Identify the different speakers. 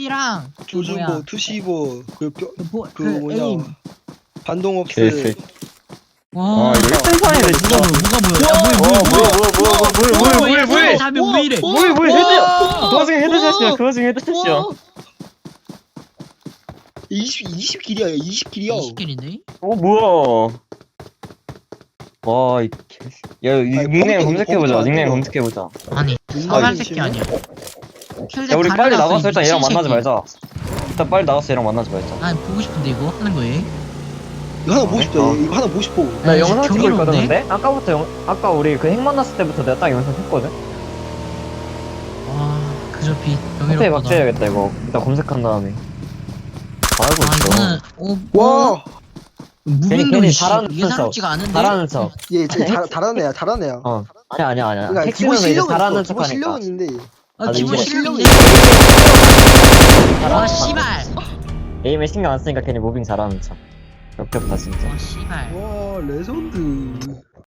Speaker 1: B랑
Speaker 2: 조준보, 투시보, 그 뭐냐
Speaker 1: 에임.
Speaker 2: 반동업스.
Speaker 3: 개새.
Speaker 1: 와.
Speaker 3: 이거 1등판이네 진짜.
Speaker 1: 뭐가 뭐야?
Speaker 3: 뭐야.
Speaker 1: 다면 왜 이래?
Speaker 3: 뭐야 헤드. 그 와중에 헤드샷이야. 그 와중에 헤드샷이야.
Speaker 2: 20킬이야 20킬이야.
Speaker 1: 20킬인데?
Speaker 3: 뭐야. 와, 이 야, 닉네임 검색해보자. 닉네임 검색해보자.
Speaker 1: 아니 사발 새끼 아니야.
Speaker 3: 야, 우리 빨리 나가서 일단 얘랑 만나지 말자. 일단 빨리 나가서 얘랑 만나지 말자.
Speaker 1: 난 보고 싶은데 이거 하는 거에.
Speaker 2: 이거 하나 보고 싶다. 이거 하나 보고 싶어.
Speaker 4: 나 영상 찍고
Speaker 1: 경이로운데?
Speaker 4: 있거든 근데? 아까 우리 그 핵 만났을 때부터 내가 딱 영상 했거든?
Speaker 1: 와 그저 빛
Speaker 4: 호텔
Speaker 1: 경이롭다.
Speaker 4: 박제해야겠다 이거 일단 검색한 다음에 알고
Speaker 1: 아
Speaker 4: 있어
Speaker 1: 이거는
Speaker 2: 와,
Speaker 1: 무빙도
Speaker 4: 괜히
Speaker 1: 씨,
Speaker 4: 잘하는
Speaker 1: 이게 사롭지가 않은데.
Speaker 4: 잘하는 척
Speaker 2: 얘 잘하는 애야, 잘하는 애야.
Speaker 4: 아니야
Speaker 2: 그러니까
Speaker 4: 핵 쓰면서 이제 잘하는 척
Speaker 2: 기본
Speaker 4: 하니까
Speaker 2: 실력은 있는데.
Speaker 1: 아 기본
Speaker 4: 이제-
Speaker 1: 실력인데. 와 씨발.
Speaker 4: 에임에 신경 안 쓰니까 괜히 무빙 잘하는 척 역겹다 진짜
Speaker 1: 와 씨발.
Speaker 2: 와, 레전드.